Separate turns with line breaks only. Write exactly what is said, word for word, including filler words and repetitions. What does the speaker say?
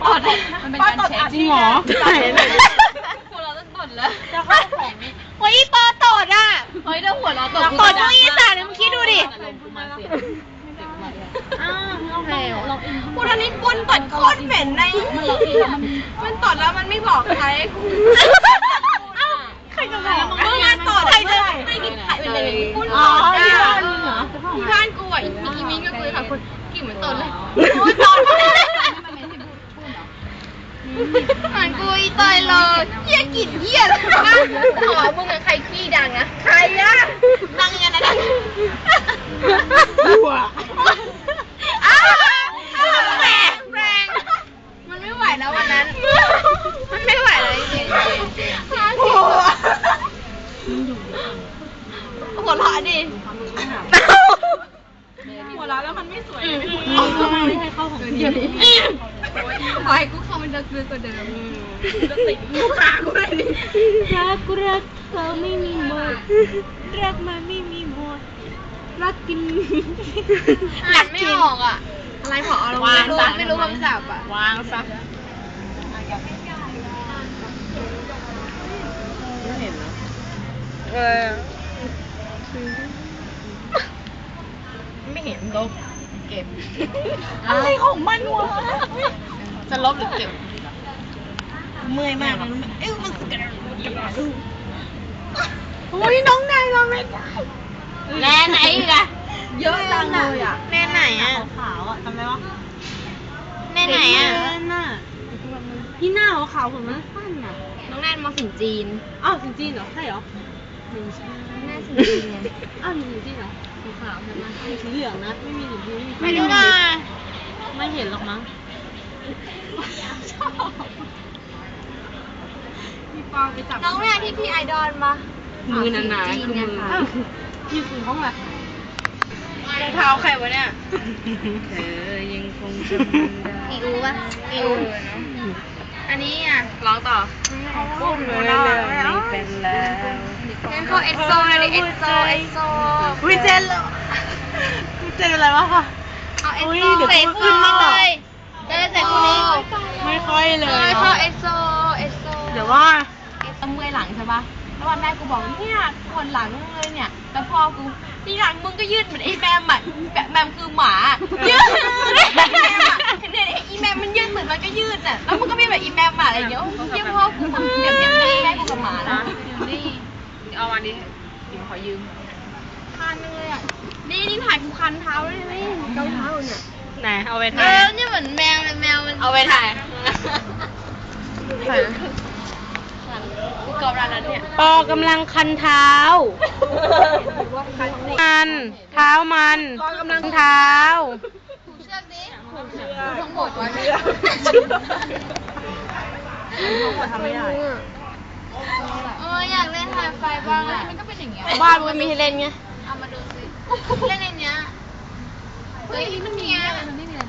ตดมันเป็นการเช็คจริงเหรอหัวเราต้องตดแล้วจะเข้าแผงนี่เฮ้ยปอตดอ่ะเฮ้ยเดี๋ยวหัวเราตดตดพวกอีสานเลยมึงคิดดูดิอ้าวโอเคกูตอนนี้ปุ้นตดโคตรเหม็นในมันตดแล้วมันไม่บอกใครใครจะบอกมึงมาตดใครจะไม่กินไข่เป็นเลยปุ้นตดที่บ้านมึงเหรอที่บ้านกูอ่ะอีมิ้งก็คุยค่ะคนกลิ่นเหมือนตดเลยโอ้ยตดหันกูอีตายเลยเหี้ยกลิ่นเหี้ยเลยนะหอมึงกับใครขี้ดังนะใครอะดังยังไงนะดังหัวอ้าวแรงแรงมันไม่ไหวแล้ววันนั้นมันไม่ไหวเลยจริงๆหัวหัวเราะดิหัวเราะแล้วมันไม่สวยไม่ให้เข้าของเดียวนี้ขอให้กูเข้ามันจะคือกว่าเดิมจะติดกูขากูเลยดิรักกูรักเขาไม่มีหมดรักมันไม่มีหมดรักกินอ่านไม่ออกอ่ะอะไรพอเอาลงไม่รู้ไม่รู้คำศัพท์อ่ะวางซะไม่เห็นนะเออไม่เห็นลบเก็บอะไรของมันวะจะลบหรือเก็บเมื่อยมากมันเอ้ยมันกระดูกโอ้ยน้องนายเราไม่ได้แน่ไหนอีกอะเยอะจังเลยอะแน่ไหนอะขาวอะทำไมวะแน่ไหนอะที่หน้าขาวผมมันสั้นอะน้องแนนมาสินจีนอ้าวสินจีนเหรอใช่เหรอไม่ใช่แน่สินจีนไงอ้าวมีสินจีนเหรอสีขาวใช่ไหมมีสีเหลืองนะไม่มีสินจีนไม่รู้นะไม่เห็นหรอกมั้งน้องแม่ที่พี่ไอดอลมามือหนาๆคือมืออยู่ถึงห้องละรองเท้าใครวะเนี่ยเธอยังคงจำได้อีอูป่ะอีอูอันนี้อ่ะร้องต่อปุ้มเลยไม่เป็นแล้วงั้นเขาเอสโซเลยเอสโซเอสโซวิเจนเหรอวิเจนอะไรวะคะเอาเอสโซใส่ขึ้นมาเลยจะได้ใส่คู่นี้ไม่ค่อยเลยเขาเอสโซเอสโซเดี๋ยวว่าเมื่อยหลังใช่ปะแล้ววันแรกกูบอกเนี่ยปวดหลังเลยเนี่ยแล้วพอกูทีหลังมึงก็ยืดเหมือนไอ้แมมอ่ะแมมคือหมายืดแมมอ่ะเนี่ยไอ้แมมมันยืดเหมือนมันก็ยืดอ่ะแล้วมึงก็มีแบบไอ้แมมอ่ะอะไรอย่างเงี้ยเยี่ยมพ่อกูเดี๋ยวเดี๋ยวแม่กูกับหมานะนี่เอาวันนี้เดี๋ยวขอยืมคันเลยอ่ะนี่นี่ถ่ายกูคันเท้าเลยไหมเท้าเท้าเนี่ยไหนเอาไปถ่ายเออนี่เหมือนแมวเลยแมวมันเอาไปถ่ายปอกำลังคันเท้ามันเท้ามันกำลังเท้าผูกเชือกดิผูกเชือกทั้งหมดไว้ไม่ได้ทั้งหมดทำไม่ได้เอออยากเล่นถ่ายไฟบ้างมันก็เป็นอย่างเงี้ยบ้านมันมีให้เล่นไงเอามาดูสิเล่นในเนี้ยเฮ้ยมันมีอะไรมันไม่มีอะไร